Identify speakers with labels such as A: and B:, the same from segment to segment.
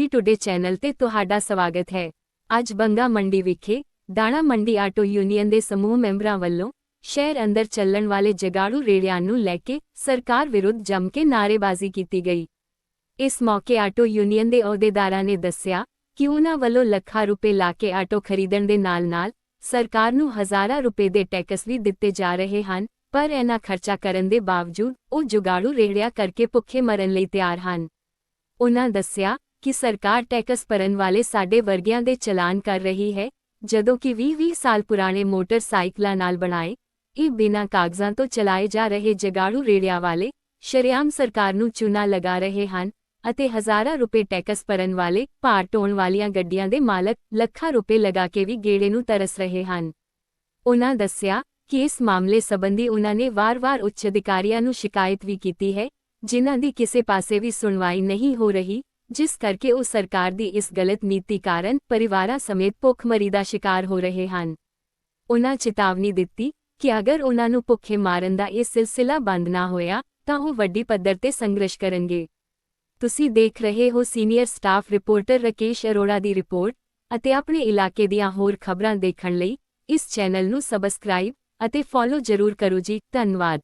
A: Punjabi today channel ਤੇ ਤੁਹਾਡਾ ਸਵਾਗਤ ਹੈ। ਅੱਜ ਬੰਗਾ ਮੰਡੀ ਵਿਖੇ ਦਾਣਾ ਮੰਡੀ ਆਟੋ ਯੂਨੀਅਨ ਦੇ ਸਮੂਹ ਮੈਂਬਰਾਂ ਵੱਲੋਂ ਸ਼ਹਿਰ ਅੰਦਰ ਚੱਲਣ ਵਾਲੇ ਜਗਾੜੂ ਰੇੜਿਆਂ ਨੂੰ ਲੈ ਕੇ ਸਰਕਾਰ ਵਿਰੁੱਧ ਜੰਮ ਕੇ ਨਾਅਰੇਬਾਜ਼ੀ ਕੀਤੀ ਗਈ। ਇਸ ਮੌਕੇ ਆਟੋ ਯੂਨੀਅਨ ਦੇ ਅਹੁਦੇਦਾਰਾਂ ਨੇ ਦੱਸਿਆ ਕਿ ਉਨ੍ਹਾਂ ਵੱਲੋਂ ਲੱਖਾਂ ਰੁਪਏ ਲਾ ਕੇ ਆਟੋ ਖਰੀਦਣ ਦੇ ਨਾਲ-ਨਾਲ ਸਰਕਾਰ ਨੂੰ ਹਜ਼ਾਰਾਂ ਰੁਪਏ ਦੇ ਟੈਕਸ ਵੀ ਦਿੱਤੇ ਜਾ ਰਹੇ ਹਨ, ਪਰ ਇਹਨਾਂ ਖਰਚਾ ਕਰਨ ਦੇ ਬਾਵਜੂਦ ਉਹ ਜੁਗਾੜੂ ਰੇੜਿਆਂ ਕਰਕੇ ਭੁੱਖੇ ਮਰਨ ਲਈ ਤਿਆਰ ਹਨ। ਉਨ੍ਹਾਂ ਦੱਸਿਆ ਕਿ ਸਰਕਾਰ ਟੈਕਸ ਭਰਨ ਵਾਲੇ ਸਾਡੇ ਵਰਗਿਆਂ ਦੇ ਚਲਾਨ ਕਰ ਰਹੀ ਹੈ, ਜਦੋਂ ਕਿ 20-20 ਸਾਲ ਪੁਰਾਣੇ ਮੋਟਰਸਾਈਕਲਾਂ ਨਾਲ ਬਣਾਏ ਇਹ ਬਿਨਾਂ ਕਾਗਜ਼ਾਂ ਤੋਂ ਚਲਾਏ ਜਾ ਰਹੇ ਜਗਾੜੂ ਰੇੜਿਆਂ ਵਾਲੇ ਸ਼ਰੇਆਮ ਸਰਕਾਰ ਨੂੰ ਚੂਨਾ ਲਗਾ ਰਹੇ ਹਨ ਅਤੇ ਹਜ਼ਾਰਾਂ ਰੁਪਏ ਟੈਕਸ ਭਰਨ ਵਾਲੇ ਭਾਰ ਢੋਣ ਵਾਲੀਆਂ ਗੱਡੀਆਂ ਦੇ ਮਾਲਕ ਲੱਖਾਂ ਰੁਪਏ ਲਗਾ ਕੇ ਵੀ ਗੇੜੇ ਨੂੰ ਤਰਸ ਰਹੇ ਹਨ। ਉਨ੍ਹਾਂ ਦੱਸਿਆ ਕਿ ਇਸ ਮਾਮਲੇ ਸੰਬੰਧੀ ਉਨ੍ਹਾਂ ਨੇ ਵਾਰ-ਵਾਰ ਉੱਚ ਅਧਿਕਾਰੀਆਂ ਨੂੰ ਸ਼ਿਕਾਇਤ ਵੀ ਕੀਤੀ ਹੈ, ਜਿਨ੍ਹਾਂ ਦੀ ਕਿਸੇ ਪਾਸੇ ਵੀ ਸੁਣਵਾਈ ਨਹੀਂ ਹੋ ਰਹੀ, ਜਿਸ ਕਰਕੇ ਉਹ ਸਰਕਾਰ ਦੀ ਇਸ ਗਲਤ ਨੀਤੀ ਕਾਰਨ ਪਰਿਵਾਰਾਂ ਸਮੇਤ ਭੁੱਖਮਰੀ ਦਾ ਸ਼ਿਕਾਰ ਹੋ ਰਹੇ ਹਨ। ਉਨ੍ਹਾਂ ਚੇਤਾਵਨੀ ਦਿੱਤੀ ਕਿ ਅਗਰ ਉਨ੍ਹਾਂ ਨੂੰ ਭੁੱਖੇ ਮਾਰਨ ਦਾ ਇਹ ਸਿਲਸਿਲਾ ਬੰਦ ਨਾ ਹੋਇਆ ਤਾਂ ਉਹ ਵੱਡੀ ਪੱਧਰ ਤੇ ਸੰਘਰਸ਼ ਕਰਨਗੇ। ਤੁਸੀਂ ਦੇਖ ਰਹੇ ਹੋ senior staff reporter Rakesh Arora ਦੀ ਰਿਪੋਰਟ ਅਤੇ ਆਪਣੇ ਇਲਾਕੇ ਦੀਆਂ ਹੋਰ ਖਬਰਾਂ ਦੇਖਣ ਲਈ ਇਸ ਚੈਨਲ ਨੂੰ ਸਬਸਕ੍ਰਾਈਬ ਅਤੇ ਫੋਲੋ ਜ਼ਰੂਰ ਕਰੋ ਜੀ। ਧੰਨਵਾਦ।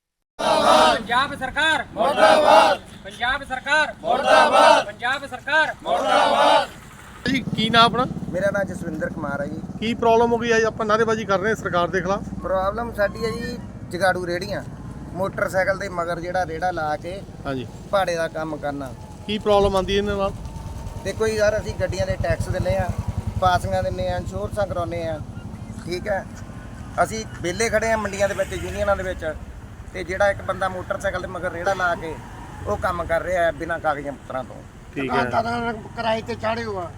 B: पंजाब सरकार मुर्दाबाद, पंजाब सरकार मुर्दाबाद, पंजाब सरकार मुर्दाबाद।
C: ਜੀ ਕੀ ਨਾਮ ਆਪਣਾ?
D: ਮੇਰਾ ਨਾਮ ਜਸਵਿੰਦਰ ਕੁਮਾਰ ਹੈ ਜੀ।
C: ਕੀ ਪ੍ਰੋਬਲਮ ਹੋ ਗਈ ਹੈ? ਆਪਾਂ ਨਾਅਰੇਬਾਜ਼ੀ ਕਰ ਰਹੇ ਹਾਂ ਸਰਕਾਰ ਦੇ ਖਿਲਾਫ।
D: ਪ੍ਰੋਬਲਮ ਸਾਡੀ ਹੈ ਜੀ ਜਗਾੜੂ ਰੇੜੀਆਂ, ਮੋਟਰਸਾਈਕਲ ਦੇ ਮਗਰ ਜਿਹੜਾ ਰੇੜਾ ਲਾ ਕੇ
C: ਹਾਂਜੀ,
D: ਭਾੜੇ ਦਾ ਕੰਮ ਕਰਨਾ।
C: ਕੀ ਪ੍ਰੋਬਲਮ ਆਉਂਦੀ ਇਹਨਾਂ ਨਾਲ?
D: ਦੇਖੋ ਜੀ ਯਾਰ, ਅਸੀਂ ਗੱਡੀਆਂ ਦੇ ਟੈਕਸ ਦਿੰਦੇ ਆ, ਪਾਸਿੰਗਾਂ ਦਿੰਦੇ ਆ, ਇੰਸ਼ੋਰੈਂਸਾਂ ਕਰਾਉਂਦੇ ਆ, ਠੀਕ ਹੈ। ਅਸੀਂ ਵਿਹਲੇ ਖੜੇ ਆ ਮੰਡੀਆਂ ਦੇ ਵਿੱਚ, ਯੂਨੀਅਨਾਂ ਦੇ ਵਿੱਚ, ਤੇ ਜਿਹੜਾ ਇੱਕ ਬੰਦਾ ਮੋਟਰਸਾਈਕਲ ਦੇ ਮਗਰ ਰੇੜਾ ਲਾ ਕੇ ਉਹ ਕੰਮ ਕਰ ਰਿਹਾ ਹੈ ਬਿਨਾਂ ਕਾਗਜ਼ਾਂ ਪੱਤਰਾਂ ਤੋਂ।
C: ਠੀਕ ਹੈ।
D: ਕਿਰਾਏ ਤੇ ਚਾੜੇ ਹੋਆ।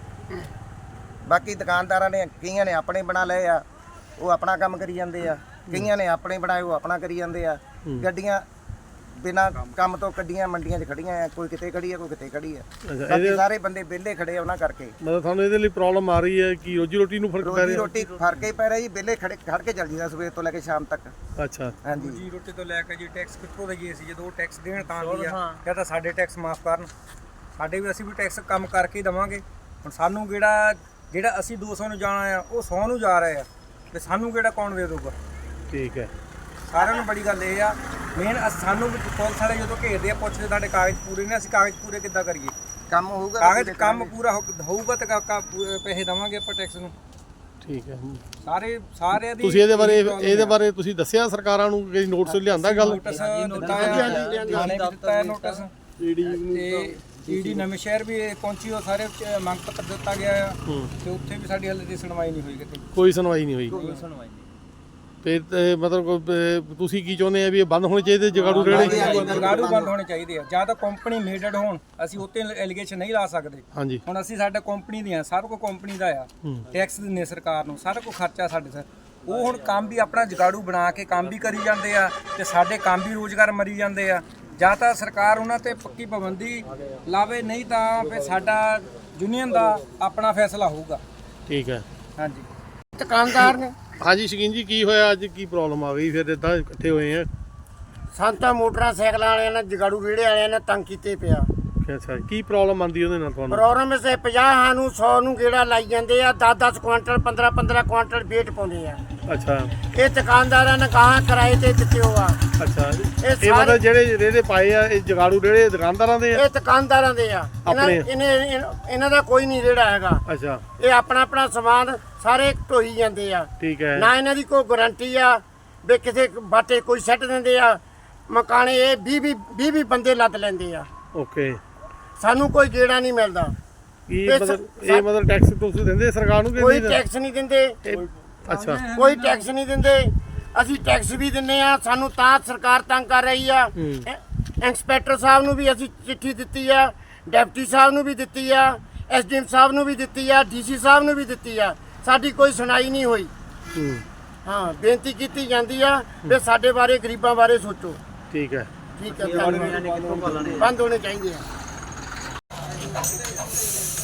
D: ਬਾਕੀ ਦੁਕਾਨਦਾਰਾਂ ਨੇ ਕਈਆਂ ਨੇ ਆਪਣੇ ਬਣਾ ਲਏ ਆ, ਉਹ ਆਪਣਾ ਕੰਮ ਕਰੀ ਜਾਂਦੇ ਆ, ਕਈਆਂ ਨੇ ਆਪਣੇ ਬਣਾਏ ਉਹ ਆਪਣਾ ਕਰੀ ਜਾਂਦੇ ਆ। ਗੱਡੀਆਂ ਬਿਨਾਂ ਕੰਮ ਤੋਂ ਕੱਢੀਆਂ ਮੰਡੀਆਂ 'ਚ ਖੜੀਆਂ ਆ, ਕੋਈ ਕਿਤੇ ਖੜੀ ਆ, ਕੋਈ ਕਿਤੇ ਖੜੀ ਆ। ਬਾਕੀ ਸਾਰੇ ਬੰਦੇ ਵਿਹਲੇ ਖੜੇ ਆ ਉਹਨਾਂ ਕਰਕੇ।
C: ਮਤਲਬ ਤੁਹਾਨੂੰ ਇਹਦੇ ਲਈ ਪ੍ਰੋਬਲਮ ਆ ਰਹੀ ਹੈ ਕਿ ਰੋਜੀ ਰੋਟੀ ਨੂੰ ਫਰਕ ਪੈ ਰਿਹਾ?
D: ਰੋਟੀ ਫਰਕ ਹੀ ਪੈ ਰਿਹਾ ਜੀ, ਵਿਹਲੇ ਖੜ ਕੇ ਚੱਲ ਜੀਦਾ ਸਵੇਰ ਤੋਂ ਲੈ ਕੇ ਸ਼ਾਮ ਤੱਕ।
C: ਅੱਛਾ,
D: ਹਾਂਜੀ।
B: ਰੋਜੀ ਰੋਟੀ ਤੋਂ ਲੈ ਕੇ ਜੀ ਟੈਕਸ ਕਿੱਥੋਂ ਦੇਈਏ ਅਸੀਂ? ਜਦੋਂ ਟੈਕਸ ਦੇਣ ਤਾਂ ਵੀ ਆ, ਜਾਂ ਤਾਂ ਸਾਡੇ ਟੈਕਸ ਮਾਫ ਕਰਨ, ਸਾਡੇ ਵੀ ਅਸੀਂ ਵੀ ਟੈਕਸ ਕੰਮ ਕਰਕੇ ਹੀ ਦੇਵਾਂਗੇ। ਹੁਣ ਸਾਨੂੰ ਜਿਹੜਾ ਅਸੀਂ 200 ਨੂੰ ਜਾਣਾ ਆ ਉਹ 100 ਨੂੰ ਜਾ ਰਹੇ ਆ, ਤੇ ਸਾਨੂੰ ਕਿਹੜਾ ਕੌਣ ਦੇ ਦਊਗਾ?
C: ਠੀਕ ਹੈ।
B: ਸਾਰਿਆਂ ਨੂੰ ਬੜੀ ਗੱਲ ਇਹ ਆ, ਮੇਨ ਸਾਨੂੰ ਵੀ ਪੁਲਿਸ ਵਾਲੇ ਜਦੋਂ ਘੇਰਦੇ ਆ ਪੁੱਛਦੇ ਸਾਡੇ ਕਾਗਜ਼ ਪੂਰੇ ਨੇ, ਅਸੀਂ ਕਾਗਜ਼ ਪੂਰੇ ਕਿੱਦਾਂ ਕਰੀਏ?
D: ਕੰਮ ਹੋਊਗਾ,
B: ਕਾਗਜ਼ ਕੰਮ ਪੂਰਾ ਹੋਊਗਾ ਤਾਂ ਪੈਸੇ ਦੇਵਾਂਗੇ ਆਪਾਂ ਟੈਕਸ ਨੂੰ।
C: ਠੀਕ ਹੈ।
B: ਸਾਰਿਆਂ ਦੀ
C: ਤੁਸੀਂ ਇਹਦੇ ਬਾਰੇ ਤੁਸੀਂ ਦੱਸਿਆ ਸਰਕਾਰਾਂ ਨੂੰ ਕਿ ਨੋਟਿਸ ਲਿਆਂਦਾ? ਗੱਲ
B: ਨੋਟਿਸ ਦਿੱਤਾ ਹੈ, ਥਾਣੇ ਵੀ ਦਿੱਤਾ ਹੈ ਨੋਟਿਸ, ਤੇ ਈਡੀ ਨਵੇਂ ਸ਼ਹਿਰ ਵੀ ਪਹੁੰਚੀ, ਉਹ ਸਾਰੇ ਮੰਗ ਪੱਤਰ ਦਿੱਤਾ ਗਿਆ ਆ, ਤੇ ਉੱਥੇ ਵੀ ਸਾਡੀ ਹਾਲੇ ਦੀ ਸੁਣਵਾਈ ਨਹੀਂ ਹੋਈ ਕਿਤੇ।
C: ਕੋਈ ਸੁਣਵਾਈ ਨਹੀਂ ਹੋਈ?
B: ਕੋਈ ਸੁਣਵਾਈ ਨਹੀਂ।
C: ਤੇ ਮਤਲਬ ਤੁਸੀਂ ਕੀ ਚਾਹੁੰਦੇ ਆ ਵੀ ਇਹ ਬੰਦ ਹੋਣੇ ਚਾਹੀਦੇ ਜਗਾੜੂ ਰੇੜੇ?
B: ਜਗਾੜੂ ਬੰਦ ਹੋਣੇ ਚਾਹੀਦੇ ਆ, ਜਾਂ ਤਾਂ ਕੰਪਨੀ ਮੇਡਡ ਹੋਣ, ਅਸੀਂ ਉੱਤੇ ਐਲੀਗੇਸ਼ਨ ਨਹੀਂ ਲਾ ਸਕਦੇ।
C: ਹਾਂਜੀ।
B: ਹੁਣ ਅਸੀਂ ਸਾਡਾ ਕੰਪਨੀ ਦੀਆਂ, ਸਾਰਾ ਕੁਝ ਕੰਪਨੀ ਦਾ ਆ, ਟੈਕਸ ਦਿੰਦੇ ਸਰਕਾਰ ਨੂੰ, ਸਾਰਾ ਕੁਝ ਖਰਚਾ ਸਾਡੇ ਸਿਰ। ਉਹ ਹੁਣ ਕੰਮ ਵੀ ਆਪਣਾ ਜਗਾੜੂ ਬਣਾ ਕੇ ਕੰਮ ਵੀ ਕਰੀ ਜਾਂਦੇ ਆ, ਤੇ ਸਾਡੇ ਕੰਮ ਵੀ ਰੋਜ਼ਗਾਰ ਮਰੀ ਜਾਂਦੇ ਆ। ਜਾਂ ਤਾਂ ਸਰਕਾਰ ਉਹਨਾਂ ਤੇ ਪੱਕੀ ਪਾਬੰਦੀ ਲਾਵੇ, ਨਹੀਂ ਤਾਂ ਫਿਰ ਸਾਡਾ ਯੂਨੀਅਨ ਦਾ ਆਪਣਾ ਫੈਸਲਾ ਹੋਊਗਾ।
C: ਠੀਕ ਹੈ।
B: ਹਾਂਜੀ।
D: ਦੁਕਾਨਦਾਰ ਨੇ।
C: ਹਾਂਜੀ ਸ਼ਕੀਨ ਜੀ, ਕੀ ਹੋਇਆ ਅੱਜ? ਕੀ ਪ੍ਰੋਬਲਮ ਆ ਗਈ ਫਿਰ ਇਦਾਂ ਇਕੱਠੇ ਹੋਏ ਆ?
D: ਸੰਤਾ ਮੋਟਰਸਾਈਕਲਾਂ ਵਾਲਿਆਂ ਨੇ ਜਗਾੜੂ ਰੇੜੇ ਵਾਲਿਆਂ ਨੇ ਤੰਗ ਕੀਤੇ ਪਿਆ।
C: ਅੱਛਾ, ਕੀ ਪ੍ਰੋਬਲਮ ਆਉਂਦੀ ਉਹਦੇ ਨਾਲ ਤੁਹਾਨੂੰ?
D: ਪ੍ਰੋਗਰਾਮ ਸੇ 50 ਨੂੰ 100 ਨੂੰ ਗੇੜਾ ਲਾਈ ਜਾਂਦੇ ਆ, 10-10 ਕੁਆਂਟਲ 15-15 ਕੁਆਂਟਲ ਵੇਟ ਪਾਉਂਦੇ ਆ।
C: ਅੱਛਾ।
D: ਇਹ ਦੁਕਾਨਦਾਰਾਂ ਨੇ ਕਹਾ ਕਿਰਾਏ ਤੇ ਦਿੱਤੇ ਹੋਆ।
C: ਅੱਛਾ, ਇਹ ਮਤਲਬ ਜਿਹੜੇ ਰੇੜੇ ਪਾਏ ਆ ਇਹ ਜਗਾੜੂ ਰੇੜੇ ਦੁਕਾਨਦਾਰਾਂ ਦੇ ਆ?
D: ਇਹ ਦੁਕਾਨਦਾਰਾਂ ਦੇ ਆ। ਇਹਨਾਂ ਦਾ ਕੋਈ ਨਹੀਂ ਰੇੜਾ ਹੈਗਾ।
C: ਅੱਛਾ।
D: ਇਹ ਆਪਣਾ ਸਮਾਨ ਸਾਰੇ ਢੋਈ ਜਾਂਦੇ ਆ।
C: ਠੀਕ ਹੈ।
D: ਨਾ ਇਹਨਾਂ ਦੀ ਕੋਈ ਗਾਰੰਟੀ ਆ ਵੀ ਕਿਸੇ ਬਾਟੇ ਕੋਈ ਸੱਟ ਦਿੰਦੇ ਆ ਮਕਾਨੇ। ਇਹ 20 ਬੰਦੇ ਲੱਦ ਲੈਂਦੇ ਆ।
C: ਓਕੇ।
D: ਸਾਨੂੰ ਕੋਈ ਗੇੜਾ ਨਹੀਂ ਮਿਲਦਾ।
C: ਇਹ ਮਤਲਬ ਟੈਕਸ ਤੁਸੀਂ ਦਿੰਦੇ ਸਰਕਾਰ ਨੂੰ?
D: ਕੋਈ ਟੈਕਸ ਨਹੀਂ ਦਿੰਦੇ।
C: ਅੱਛਾ।
D: ਕੋਈ ਟੈਕਸ ਨਹੀਂ ਦਿੰਦੇ। ਅਸੀਂ ਟੈਕਸ ਵੀ ਦਿੰਦੇ ਆ, ਸਾਨੂੰ ਤਾਂ ਸਰਕਾਰ ਤੰਗ ਕਰ ਰਹੀ ਆ। ਇੰਸਪੈਕਟਰ ਸਾਹਿਬ ਨੂੰ ਵੀ ਅਸੀਂ ਚਿੱਠੀ ਦਿੱਤੀ ਆ, ਡਿਪਟੀ ਸਾਹਿਬ ਨੂੰ ਵੀ ਦਿੱਤੀ ਆ, ਐਸਡੀਐਮ ਸਾਹਿਬ ਨੂੰ ਵੀ ਦਿੱਤੀ ਆ, ਡੀਸੀ ਸਾਹਿਬ ਨੂੰ ਵੀ ਦਿੱਤੀ ਆ। ਸਾਡੀ ਕੋਈ ਸੁਣਾਈ ਨਹੀਂ ਹੋਈ। ਹਾਂ, ਬੇਨਤੀ ਕੀਤੀ ਜਾਂਦੀ ਆ ਵੀ ਸਾਡੇ ਬਾਰੇ, ਗਰੀਬਾਂ ਬਾਰੇ ਸੋਚੋ।
C: ਠੀਕ ਹੈ।
D: ਠੀਕ ਹੈ। ਬੰਦ ਹੋਣੇ ਚਾਹੀਦੇ ਆ।